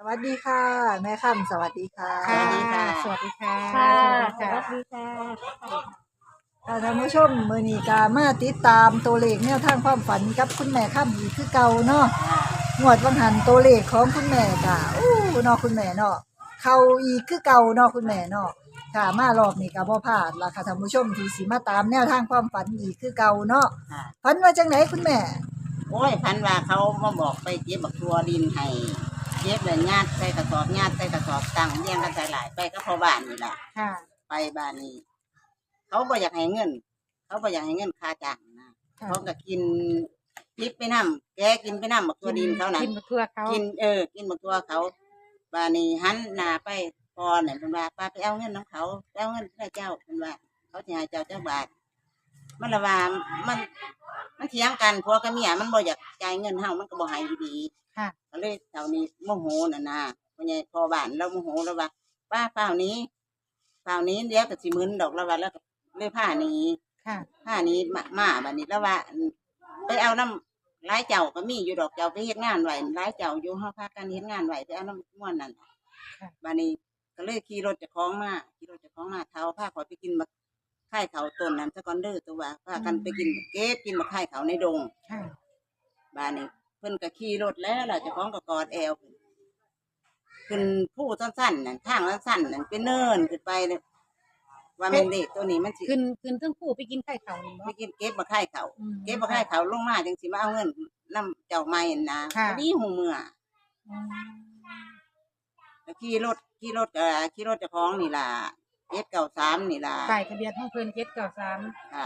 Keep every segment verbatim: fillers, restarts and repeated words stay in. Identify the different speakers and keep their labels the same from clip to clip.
Speaker 1: วัสดีค่ะ แม่ค่ำสวัสดีค่ะ
Speaker 2: สวัสดีค่ะ
Speaker 3: สวัสดีค่ะ
Speaker 2: ค่ะ
Speaker 3: สวัส
Speaker 2: ส
Speaker 3: ดี
Speaker 2: วัส
Speaker 3: ค่ะ
Speaker 2: ดีค่ะ
Speaker 1: ค่ะท่านผู้ชมมื้อนี้ก็มาติดตามตัวเลขแนวทางความฝันกับคุณแม่ค่ำอีกคือเก่าเนาะงวดวังหันตัวเลขของคุณแม่ก็อู้เนาะคุณแม่เนาะเข้าอีกคือเก่าเนาะคุณแม่เนาะค่ะมารอบนี้ก็บ่พลาดล่ะค่ะท่านผู้ชมที่สิมาตามแนวทางความฝันอีกคือเก่าเนาะ
Speaker 2: ค่ะ
Speaker 1: ฝันว่าจังไดคุณแม่
Speaker 2: โอ้ยพันว่าเขามาบอกไปเก็บบักทัวดินให้เก็บเลยญาติใส่กระสอบญาติใส่กระสอบตั้งเรียงกันใส่หลายไปก็พอบ้านนี่แหละ
Speaker 3: ค่ะ
Speaker 2: ไปบ้านนี้ เขาบ่อยากให้เงิน เขาบ่อยากให้เงินค่าจ้างนะ
Speaker 1: ค่ะ
Speaker 2: เขาก็กินพริกไปน้ำแกกินไปน้ำบักทัวดินเขานะ
Speaker 3: กินมาทั่วเขา
Speaker 2: กินเออ กินบักทัวเขาบ้านนี้หันหน้าไปพอเนี่ยเป็นว่าป้าไปเอาเงินน้ำเขาไปเอาเงินให้เจ้าเป็นว่า เขาจะให้เจ้าเจ้าบาทมันละว่ามัน มันเถียงกันผัวกับเมียมันบ่อยากจ่ายเงินเฮามันก็บ่ให้อยู่ดี
Speaker 3: ค่ะ
Speaker 2: ก็เลยเท่านี้โมโหน่ะนะพ่อใหญ่พ่อบ้านเราโมโหแล้วว่าป้าเปล่านี้เปล่านี้เดี๋ยวก็สิมึนดอกแล้วว่าแล้วก็เลยผ้าหนี้
Speaker 3: ค่ะ
Speaker 2: ผ้านี้มามาบัดนี้แล้วว่าไปเอาน้ำหลายเจ้าก็มีอยู่ดอกเจ้าไปเฮ็ดงานไว้หลายเจ้าอยู่เฮาพากันเฮ็ดงานไว้ไปเอาน้ำม่วนนั่นบัดนี้ก็เลยขี่รถเจ้าของมาขี่รถเจ้าของมาเท้าพาขอยไปกินบักไข่เขาต้นนั้นซะก่อนเด้อตัวว่าพากันไปกินเก็บกินบักไข่เขาในดง
Speaker 3: ค่ะ
Speaker 2: บ้านนี้เพิ่นก็ขี่รถแล้วล่ะเจ้าของก็กอดแอวขึ้นผู้สั้นๆนั่นทางสั้นๆนั่นเป็นเนินขึ้นไปเลยว่าแม่นเด็กตัวนี้มันสิ
Speaker 3: ขึ้นขึ้นทั้งคู่ไปกินไข่เขานี่
Speaker 2: ไป
Speaker 3: เนาะ
Speaker 2: กินเก็บบักไข่เขา
Speaker 3: อืม
Speaker 2: เก็บบักไข่เขาลงมาจังสิมาเอาเงินนํเจ้าใหม่นะ
Speaker 3: ค่ะ
Speaker 2: พอดีหูเมื่อ
Speaker 3: อืม
Speaker 2: แล้วขี่รถขี่รถเอ่อขี่รถเจ้าของนี่ล่ะเจ็ดเก้าสามนี่ล่ะ
Speaker 3: ป้ายทะเบียนของเพิ่นเจ็ดเก้าสาม
Speaker 2: ค่ะ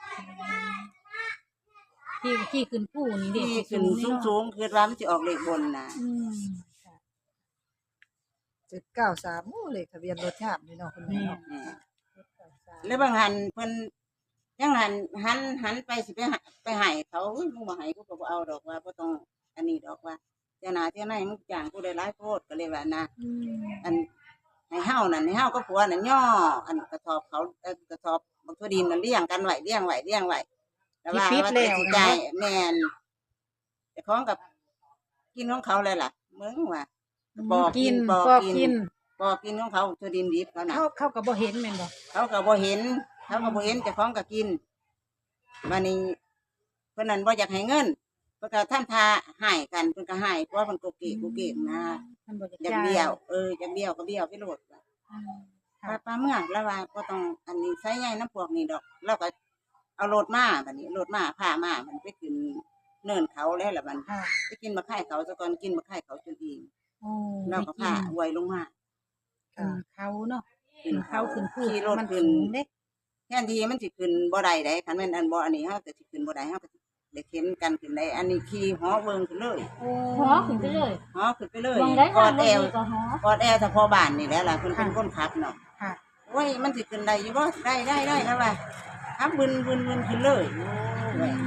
Speaker 3: ที่ที่ขึ้นผู้นี่เด็ก
Speaker 2: ขี่ขึ้นสูงๆคือว่ามันสิออกเลขบนน่ะ
Speaker 3: อืมค่ะ
Speaker 1: เจ็ดเก้าสามโอ้เลขทะเบียนรถงามนี่เนาะคุณแม่
Speaker 3: นี่
Speaker 1: เนาะ
Speaker 2: แหม่
Speaker 3: เจ็ดเก้าสาม
Speaker 2: แล้วบางหันเพิ่นยังหันหันหันไปสิไปหาไปให้เขาอุ้ยมึงบ่ให้กูก็บ่เอาดอกว่าบ่ต้องอันนี้ดอกว่าเจ้าหน้าเจ้าไหนมึงจ้างกูได้หลายโพดก็เลยว่านะ
Speaker 3: อืม
Speaker 2: อันให้เฮานั่นให้เฮาก็ผัวนั่นย่ออันกระสอบเขาเอ่อกระสอบบักทั่วดินนั่นเลี้ยงกันไว้เลี้ยงไว้เลี้ยงไว้แต่ว่าว่าจะสิจ่ายแม่นเจ้าของกับกินของเขาเลยล่ะมึงว่า ปอกกิ
Speaker 3: กิ
Speaker 2: น
Speaker 3: น
Speaker 2: ปอก
Speaker 3: ปอก
Speaker 2: กิน
Speaker 3: กิน
Speaker 2: ปอกกินของเขาทั่วดินดิบเขาน่ะ
Speaker 3: เขาเขาก็บ่เห็นแม่นบ่
Speaker 2: เขาก็บ่เห็น เขาก็บ่เห็นเจ้าของก็กินบัดนี้เพิ่นนั้นบ่อยากให้เงินเพิ่นก็ทำท่าให้กันเพิ่นก็ให้เพราะว่าเพิ่นก็เกะกูเกะนะ
Speaker 3: มันบ่
Speaker 2: อยากเบี้ยว เอออยากเบี้ยวก็เบี้ยวไปโลด
Speaker 3: อืม
Speaker 2: ป้าป้าเมืองแล้วว่าบ่ต้องอันนี้ใช้ใหญ่น้ำพวกนี้ดอกเราก็เอารถมาบัดนี้รถมาพามามันไปขึ้นเนินเขาแล้วล่ะบัด
Speaker 3: ค่ะ
Speaker 2: ไปกินมะไข่เขาซะก่อนกินมะไข่เขาจนอิ่ม
Speaker 3: โอ้
Speaker 2: เราก็พาไว้ลงมา
Speaker 3: ขึ้นเขาเนาะ
Speaker 2: ขึ้
Speaker 3: ขึ้
Speaker 2: น
Speaker 3: น
Speaker 2: เขา
Speaker 3: เขาขึ้นผู้
Speaker 2: ขี่รถ
Speaker 3: มัน
Speaker 2: ขึ้น
Speaker 3: สูงเด้
Speaker 2: แทนที่มันสิขึ้นบ่ได้ได้คันแม่นอันบ่อันนี้เฮาก็สิขึ้นบ่ได้เฮาก็สิได้เข็นกันขึ้นได้อันนี้ขี่หอเบิ่งขึ้นเลย
Speaker 3: โอ้
Speaker 4: หอขึ้นไปเลย
Speaker 2: หอขึ้นไปเลย
Speaker 4: มองได้
Speaker 2: กอ
Speaker 4: ทาง
Speaker 2: ด
Speaker 4: บ
Speaker 2: แอน ว
Speaker 4: ก็หอก
Speaker 2: อดแอวเฉพาะบ้านนี่แหละล่ะเพิ่นเป็นคนขับเนาะ
Speaker 3: ค่ะ
Speaker 2: โอ้ยมันสิขึ้นได้อยู่บ่ได้ได้ได้แล้วว่าขับบึนบึนบึนขึ้นเลยโอ้ย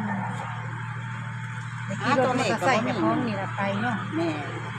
Speaker 3: เด็กที่รถมอเตอร์ไซค์กับพ้องนี่ละไปเนาะ
Speaker 2: แม่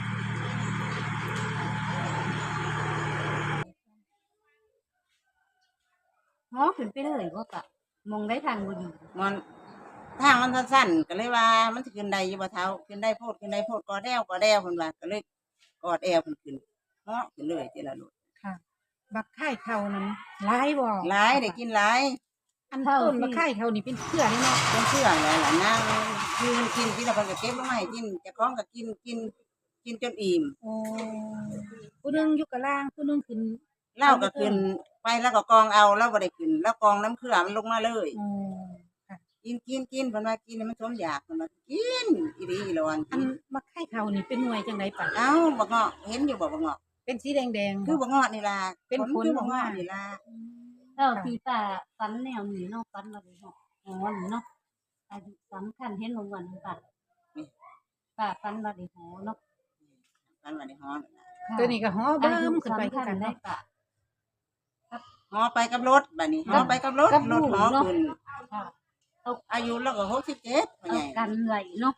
Speaker 4: หอขึ้นไปเลยบ่กะมองได้ทางบ่ดี
Speaker 2: มันทางมันสั้นๆก็เลยว่ามันสิขึ้นได้อยู่บ่เท่าขึ้นได้โพดขึ้นได้โพดกอดแอวกอดแอวเพิ่นว่าก็เลยกอดแอวเพิ่นขึ้นเหาะขึ้นเลยทีละรถ
Speaker 3: ค่ะ บักไข่เขานั้นหลายบ่
Speaker 2: หลายได้กินหลาย
Speaker 3: อันต้นบักไข่เขานี่เป็นเครือเลยเนาะ
Speaker 2: เป็นเชื่องเลยล่ะนั่งยืนกินกินแล้วเพิ่นก็เก็บลงมาให้กินเจ้าของก็กินกินกินจนอิ่ม
Speaker 3: โอ้ผู้หนึงอยู่กับล่างผู้หนึงขึ้น
Speaker 2: เหล้าก็ขึ้นไปแล้วก็กองเอาแล้วบ่ได้ขึ้นแล้วกองน้ำเครือมันลงมาเลย
Speaker 3: โอ้ค่ะ
Speaker 2: กินกินกินเพิ่นว่ากินให้มันสมอยากเพิ่นว่ากินอีหลีอีหลอน
Speaker 3: อันบักไข่เขานี่เป็นหน่วยจังไดปะ
Speaker 2: เอ้าบักเงาะเห็นอยู่บ่บักเงาะ
Speaker 3: เป็นสีแดงๆ
Speaker 2: คือบักเงาะนี่ล่ะ
Speaker 3: เป็นผล
Speaker 2: คือบั
Speaker 3: อก อกมา
Speaker 2: เงาะนี่ล่ะ
Speaker 4: แล้วที่ป้าฝันแนวนี้เนาะฝันว่าได้หอหอนี่เนาะอายุสำคัญเห็นลงวันนี้ป้าป้าฝันว่าได้หอเนาะ
Speaker 2: กันว่าได้ฮ้อน
Speaker 3: ตัวนี้ก็ฮ้อ
Speaker 4: อา
Speaker 3: เบิ่
Speaker 4: ยุ
Speaker 3: มขึ้นไปคือ
Speaker 4: สำคัญ
Speaker 3: กัน
Speaker 4: ได้
Speaker 3: เนาะ
Speaker 4: ป้า
Speaker 2: ฮอไปกับรถบัดนี้ฮอไปกับรถ
Speaker 4: กับ
Speaker 2: ร
Speaker 4: ลู
Speaker 2: ถ
Speaker 4: ก
Speaker 2: ฮอ
Speaker 4: เนาะ
Speaker 2: ขึ้น
Speaker 4: ค่ะ
Speaker 2: อายุแล้วก็หกสิบเจ็ดพ่อ
Speaker 4: เอา
Speaker 2: ใหญ่
Speaker 4: กันไว้เนาะ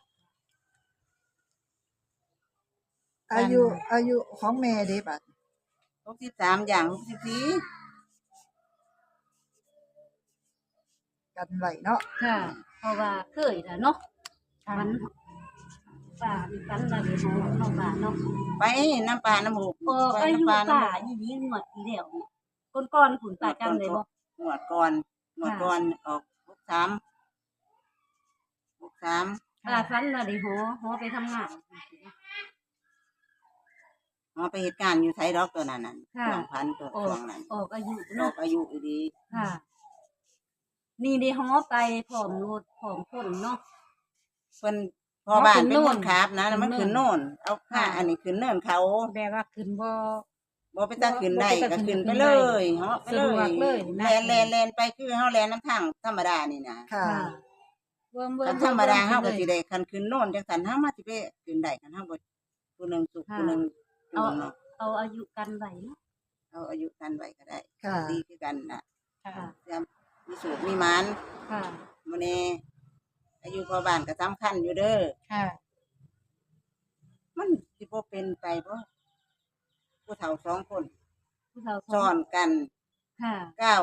Speaker 1: อายุอายุของแม่เด้บัด
Speaker 2: หกสิบสามอย่างหกสิบสี่
Speaker 1: กันไว้เนาะ
Speaker 4: ค่ะ เพราะว่าเคยแล้วเนาะ
Speaker 3: ค่ะ
Speaker 4: มันป่ามีฝันว่าได้หอเนาะป่าเนาะ
Speaker 2: ไปน้ำปลาน้ำหมู
Speaker 4: ออก
Speaker 2: ไป
Speaker 4: อายุ
Speaker 2: น้ำปลาน้ำห
Speaker 4: ป่า
Speaker 2: มู
Speaker 4: อีนี้งวดที่แล้วเนี่ยก่อนๆผุนป่าจำได้บ่
Speaker 2: หนวดก่อนหนวดก่อนออกหกสามหกสาม
Speaker 4: ป่าฝันว่าได้หอหอไปทำงาน
Speaker 2: หอไปเหตุการณ์อยู่ไทยดอกตัวนั้นน่ะ
Speaker 4: ค่ะ
Speaker 2: สองพันตัว
Speaker 4: ออ
Speaker 2: ช่ว
Speaker 4: ก
Speaker 2: งนั้น
Speaker 4: ออกอายุ
Speaker 2: นอ
Speaker 4: เนาะ
Speaker 2: กอายุอีดี
Speaker 4: ค่ะ นี่ได้หอไปพร้อมรถพร้อมคนเนาะ
Speaker 2: เพิ่นพอบ้าน
Speaker 3: ขึ้น
Speaker 2: เป็น
Speaker 3: โน่
Speaker 2: คน นขับนะแล้วมัน
Speaker 3: ขึ้
Speaker 2: ขึ้
Speaker 3: น
Speaker 2: น
Speaker 3: โน่
Speaker 2: โน่
Speaker 3: น
Speaker 2: น เอาผ้าอันนี้ขึ้นเนินเขา
Speaker 3: แบบว่าขึ้นบ่
Speaker 2: บ่ไปตาขึ้นได้
Speaker 3: บ่ไป
Speaker 2: ก็
Speaker 3: ตาขึ้
Speaker 2: ขึ้
Speaker 3: น
Speaker 2: นไป
Speaker 3: ขึ้น
Speaker 2: เล
Speaker 3: ได้
Speaker 2: ยเหาะไปเล
Speaker 3: สะดวกเลย
Speaker 2: ย
Speaker 3: นะ
Speaker 2: แลนแลนแลนไปคือเฮาแลนน้ำทางธรรมดานี่นะ
Speaker 1: ค่ะ
Speaker 4: ค่ะ
Speaker 3: เบิ่มเบิ่
Speaker 2: คั
Speaker 3: ม
Speaker 2: นธรรมดาเฮาก็สิ
Speaker 3: ได้
Speaker 2: ได้คันขึ้นโน่นจังซั่นเฮามาสิไปขึ้นได้คันเฮาบ่ผู้หนึงสุข
Speaker 4: ค่ะ
Speaker 2: ผู้หนึง
Speaker 4: เอา
Speaker 2: จูงเนาะ
Speaker 4: เอาอายุกันไว้เนาะ
Speaker 2: เอาอายุกันไว้ก็ได้
Speaker 1: ค่ะ
Speaker 2: ดีคือกันน่ะ
Speaker 3: ค่ะ
Speaker 4: ค่ะ
Speaker 2: เตรียมมีสูบมีหมาน
Speaker 4: ค่ะ
Speaker 2: มื้อนี้อายุพอบ้านก็สำคัญอยู่เด้อ
Speaker 3: ค่ะ
Speaker 2: มันสิบ่เป็นไปบ่ผู้เฒ่าสองคน
Speaker 4: ผู้เฒ่า
Speaker 2: ซ้อนกัน
Speaker 4: ค่ะ
Speaker 2: เก้า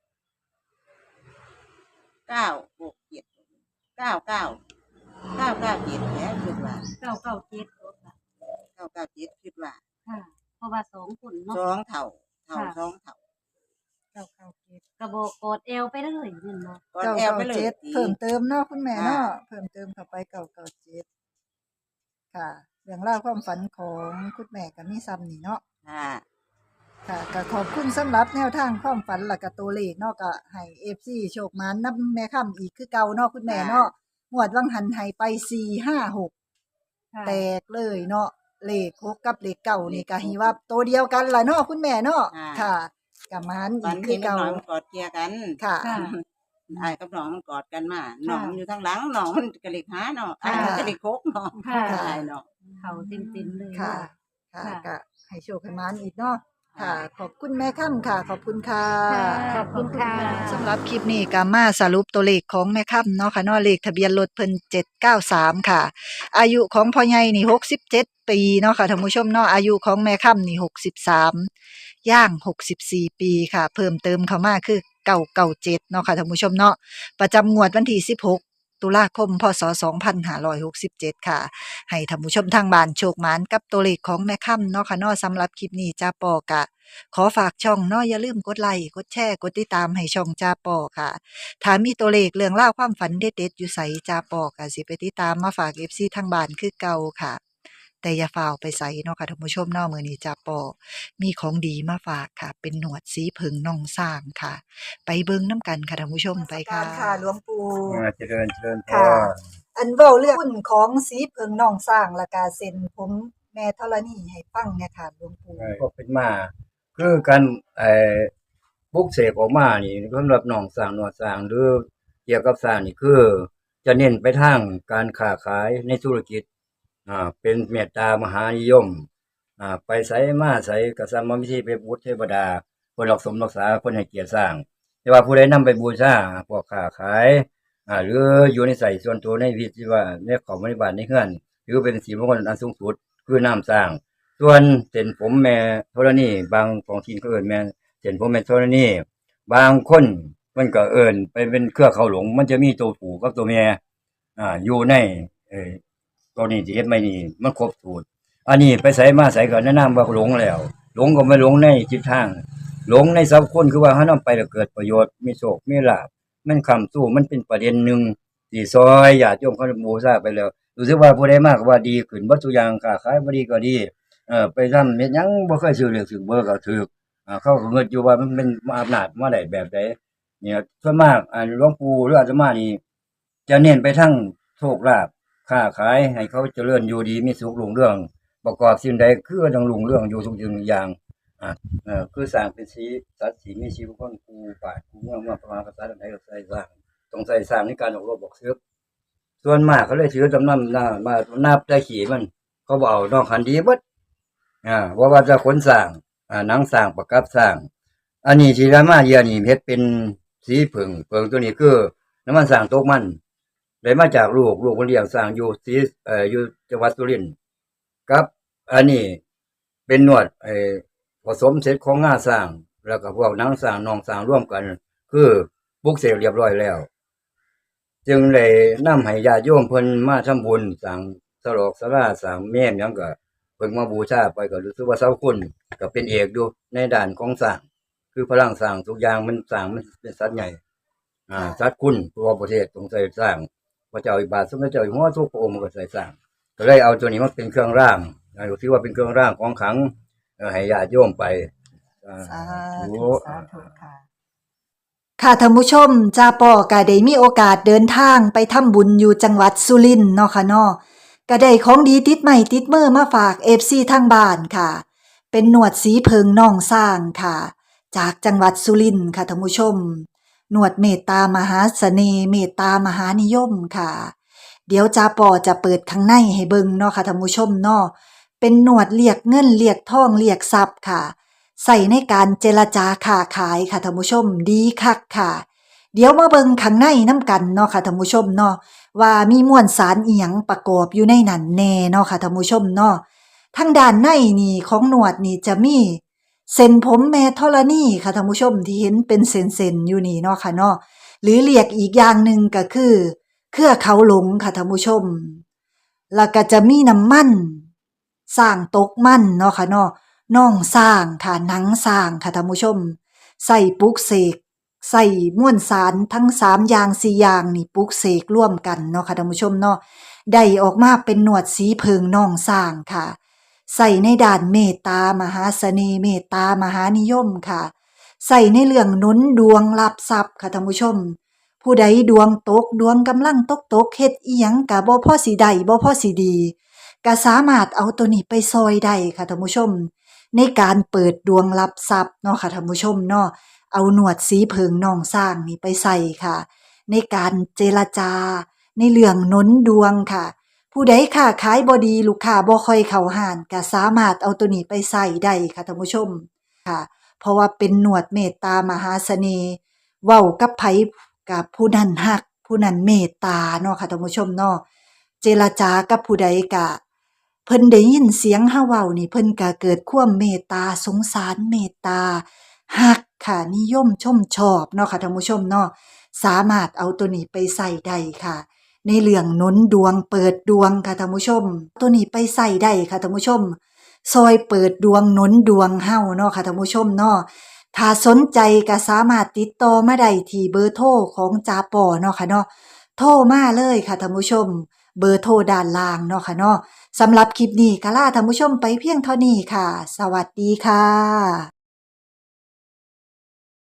Speaker 2: เก้าหกเจ็ดเก้าเก้าเก้าเก้าเจ็ดแหละคิดว่า
Speaker 4: เก้าเก้าเจ็ดค่ะ
Speaker 2: เก้าเก้าเจ็ดคิดว่า
Speaker 4: ค่ะ เพราะว่าสองคนเนาะ
Speaker 2: สองเฒ่าเฒ่า
Speaker 4: ค่ะ
Speaker 2: สองเฒ่า
Speaker 3: เก้าเก้าเจ็ด
Speaker 4: กระบอกกอดเอวไปเลยนี่เนาะ
Speaker 2: ก่อน
Speaker 1: เก้า
Speaker 2: แอล
Speaker 1: เก้า
Speaker 2: ไปเลย
Speaker 1: เจ็ด
Speaker 2: สิ
Speaker 1: เพิ่มเติมเนาะคุณแม่
Speaker 2: ค่ะ
Speaker 1: เนาะเพิ่มเติมเข้าไปเก้าเก้าเจ็ดค่ะเรื่องราวความฝันของคุณแม่ก็มีซ้ำนี่เนาะ
Speaker 2: ค่ะ
Speaker 1: ค่ะก็ขอบคุณสำหรับแนวทางความฝันและก็ตัวเลขเนาะก็ให้ เอฟ ซี โชคมานนำแม่ค่ำอีกคือเก่าเนาะคุณแม่เนาะงวดวังหันให้ไปสี่ ห้า หก
Speaker 4: ค่ะ
Speaker 1: แตกเลยเนาะเลขหกกับเลขเก้านี่ก็ฮีว่าตัวเดียวกันล่ะเนาะคุณแม่เนาะค่ะก็มาน
Speaker 2: ตอ
Speaker 1: อี
Speaker 2: น
Speaker 1: กคื
Speaker 2: ที่
Speaker 1: อ
Speaker 2: มัน
Speaker 1: เก่า
Speaker 2: น้อยมันกอดเกลียกัน
Speaker 1: ค่ะ
Speaker 4: ค่ะ
Speaker 2: ไอ้กับน้องมันกอดกันมาน้องมันอยู่ทางหลังน้องมันกระลิกหาเนาะไอ้มันกระลิกโคกเนาะ
Speaker 4: ค่ะ
Speaker 2: ไอ้เนาะ
Speaker 4: เขาเต็มๆเลย
Speaker 1: ค่ะ ค่ะก็ให้โชคให้มานอีกเนาะค่ะ ขอบคุณแม่ค่ำค่ะ ขอบคุณค่ะ
Speaker 3: ขอบคุณค่ะ
Speaker 1: สำหรับคลิปนี้ก็มาสรุปตัวเลขของแม่ค่ำเนาะค่ะเนาะเลขทะเบียนรถเพิ่นเจ็ดเก้าสามค่ะ อายุของพ่อใหญ่นี่หกสิบเจ็ดปีเนาะค่ะท่านผู้ชมเนาะอายุของแม่ค่ำนี่หกสิบสามย่างหกสิบสี่ปีค่ะ เพิ่มเติมเข้ามาคือเก้าเก้าเจ็ดเนาะค่ะท่านผู้ชมเนาะประจำงวดวันที่สิบหกตุลาคมพศสองพันห้าร้อยหกสิบเจ็ดค่ะ ให้ท่านผู้ชมทางบ้านโชคหมานกับตัวเลขของแม่ค่ำเนาะค่ะเนาะสำหรับคลิปนี้จ้าปอกะ ขอฝากช่องเนาะอย่าลืมกดไลค์กดแชร์กดติดตามให้ช่องจ้าปอค่ะถ้ามีตัวเลขเรื่องเล่าวความฝันเด็ดๆอยู่ใสจ้าปอค่ะสิไปติดตามมาฝาก เอฟ ซี ทางบ้านคือเก่าค่ะ แต่อย่าฝ่าวไปใส่เนาะค่ะท่านผู้ชมเนาะมื้อนี้จ้าปอมีของดีมาฝากค่ะ เป็นหนวดสีผึ่งน่องสร้างค่ะ ไปเบิ่งน้ำกันค่ะท่านผู้ชมไปค่ะค่ะหลวงปู่
Speaker 5: อ่าเจริญเจริญพ
Speaker 1: ค่ะ
Speaker 5: ร
Speaker 1: อันเว้าเรื่องหุ้นของสีเพิงน่องสร้างและกาเซ็นผมแม่ธรณีให้ฟังเนี่ยค่ะหลวงปู่
Speaker 5: ก็เป็นมา คือการไอ้ปลุกเสกออกมานี่สำหรับน้องสร้างหนวดสร้างหรือเกี่ยวกับสร้างนี่คือ จะเน้นไปทางการค้าขายในธุรกิจอ่าเป็นเมตตามหานิยมอ่าไปไสมาไสก็สามารถวิธีไปบูชเทวดาเพิ่นรักสมรักษาเพิ่นให้เกียรติสร้าง แต่ว่าผู้ใดนำไปบูชาพวกค้าขายอ่าหรืออยู่ในใส่ส่วนตัวในวิธีว่าในของบริบาลในเฮือนหรือเป็นสีมงคลอันสูงสุดคือน้ำสร้าง ส่วนเส้นผมแม่ธรณีบางของทีนก็เอิ้นแม่เส้นผมแม่ธรณีบางคนมันก็เอิ้นไปเป็นเครือเขาหลง มันจะมีตัวผู้กับตัวแม่อ่าอยู่ในเอ่อตัวนี้ที่เฮ็ดไม่นี่มันครบสูตรอันนี้ไปไสมาไสก็แนะนำว่าหลงแล้ว หลงก็ไม่หลงในจิตทาง หลงในสัพคนคือว่าเฮานำไปแล้วเกิดประโยชน์มีโชคมีลาภมันค้ำสู้มันเป็นประเด็นหนึ่งที่ซอยญาติโยมเขาบูชาไปแล้วรู้สึกว่าผู้ใดมาก็ว่าดีขึ้นเบิดทุกอย่างค้าขายบ่ดีก็ดี เออไปทำเฮ็ดหยังบ่เคยซื้อเลขซื้อเบอร์ก็ถูกอ่าเขาก็เงิดอยู่ว่ามันเป็นอำนาจมาได้แบบใดเนี่ยส่วนมากอ่าหลวงปู่หรืออาตมานี่จะเน้นไปทางโชคลาภค้าขายให้เขาเจริญอยู่ดีมีสุขรุ่งเรืองประกอบสิ่งใดคือต้องรุ่งเรืองอยู่ทุกสิ่งทุกอย่างอ่าเออคือสร้างเป็นสีสัตว์สีมีชีวิตคนกูป่ากูเมืองเมืองประมาณภาษาใดก็ใส่สร้างต้องใส่สร้างในการออกรบบอกซื้อส่วนมากเขาเลยถือจำนำหน้ามานับได้ขี่มันเขาบ่เอานอกคันดีเบิด อ่าว่าว่าจะขนสร้างอ่าหนังสร้างประกับสร้าง อันนี้ที่รามาเยียนี่เฮ็ดเป็นสีผึ่งเผึ่งตัวนี้คือน้ำมันสร้างตกมันได้มาจากลูกลูกคนเลี้ยงสร้างอยู่สีเอ่ออยู่จังหวัดสุรินทร์กับอันนี้เป็นนวดไอ้ผสมเสร็จของงาสร้าง แล้วก็พวกหนังสร้างนองสร้างร่วมกัน คือปลุกเสกเรียบร้อยแล้ว จึงได้นำให้ญาติโยมเพิ่นมาทำบุญสร้างศลอกศาลาสร้างเมนหยังก็เพิ่งมาบูชาไปก็รู้สึกว่าเสาคุณก็เป็นเอกอยู่ในด้านของสร้างคือพลังสร้างทุกอย่างมันสร้างมันเป็นสัตว์ใหญ่อ่าสัตว์คุณตัวประเทศต้องใส่สร้างพระเจ้าอิบาทสมเด็จเจ้าอยู่หัวทุกพระองค์ก็ใส่สร้างก็เลยเอาตัวนี้มาเป็นเครื่องร่างอ่าถือว่าเป็นเครื่องร่างของขลังเอ่อให้ญาติโยมไปอ่า
Speaker 1: สา
Speaker 5: ธุ
Speaker 1: ธุสาธุค่ะ ค่ะท่านผู้ชมจ้าปอก็ได้มีโอกาสเดินทางไปทำบุญอยู่จังหวัดสุรินทร์เนาะค่ะเนาะก็ได้ของดีติดใหม่ติดมือมาฝาก เอฟ ซี ทางบ้านค่ะ เป็นหนวดสีเพิงน่องสร้างค่ะ จากจังหวัดสุรินทร์ค่ะท่านผู้ชมหนวดเมตตามหาเสน่ห์เมตตามหานิยมค่ะ เดี๋ยวจ้าปอจะเปิดข้างในให้เบิ่งเนาะค่ะท่านผู้ชมเนาะเป็นหนวดเรียกเงินเรียกทองเรียกทรัพย์ค่ะ ใส่ในการเจรจาค้าขายค่ะท่านผู้ชมดีคักค่ะ เดี๋ยวมาเบิ่งข้างในน้ำกันเนาะค่ะท่านผู้ชมเนาะว่ามีมวลสารอีหยังประกอบอยู่ในนั้นแน่เนาะค่ะท่านผู้ชมเนาะทางด้านในนี่ของหนวดนี่จะมีเส้นผมแม่ธรณีค่ะท่านผู้ชมที่เห็นเป็นเส้นๆอยู่นี่เนาะค่ะเนาะหรือเรียกอีกอย่างหนึ่งก็คือเครือเขาหลงค่ะท่านผู้ชมแล้วก็จะมีน้ำมันสร้างตกมันเนาะค่ะเนาะน่องสร้างค่ะหนังสร้างค่ะท่านผู้ชมใส่ปลุกเสกใส่มวลสารทั้งสามอย่างสี่อย่างนี่ปลุกเสกร่วมกันเนาะค่ะท่านผู้ชมเนาะได้ออกมาเป็นหนวดสีเพิงน่องสร้างค่ะใส่ในด้านเมตตามหาเสน่ห์เมตตามหานิยมค่ะใส่ในเรื่องหนุนดวงรับทรัพย์ค่ะท่านผู้ชมผู้ใดดวงตกดวงกำลังตกตกเฮ็ดอีหยังก็บ่พอสิได้บ่พอสิดีก็สามารถเอาตัวนี้ไปซอยได้ค่ะท่านผู้ชมในการเปิดดวงรับทรัพย์เนาะค่ะท่านผู้ชมเนาะเอาหนวดสีเพิงน่องสร้างนี่ไปใส่ค่ะในการเจรจาในเรื่องหนุนดวงค่ะผู้ใดค้าขายบ่ดีลูกค้าบ่ค่อยเข้าห้านก็สามารถเอาตัวนี้ไปใส่ได้ค่ะท่านผู้ชมค่ะเพราะว่าเป็นหนวดเมตตามหาเสน่ห์เว้ากับไผกับผู้นั้นฮักผู้นั้นเมตตาเนาะค่ะท่านผู้ชมเนาะเจรจากับผู้ใดก็เพิ่นได้ยินเสียงเฮาเว้านี่เพิ่นก็เกิดความเมตตาสงสารเมตตาฮักค่ะนิยมชมชอบเนาะค่ะท่านผู้ชมเนาะสามารถเอาตัวนี้ไปใส่ได้ค่ะในเรื่องหนุนดวงเปิดดวงค่ะท่านผู้ชมตัวนี้ไปใส่ได้ค่ะท่านผู้ชมซอยเปิดดวงหนุนดวงเฮาเนาะค่ะท่านผู้ชมเนาะถ้าสนใจก็สามารถติดต่อมาได้ที่เบอร์โทรของจาปอเนาะค่ะเนาะโทรมาเลยค่ะท่านผู้ชมเบอร์โทรด้านล่างเนาะค่ะเนาะสำหรับคลิปนี้ก็ลาท่านผู้ชมไปเพียงเท่านี้ค่ะสวัสดีค่ะ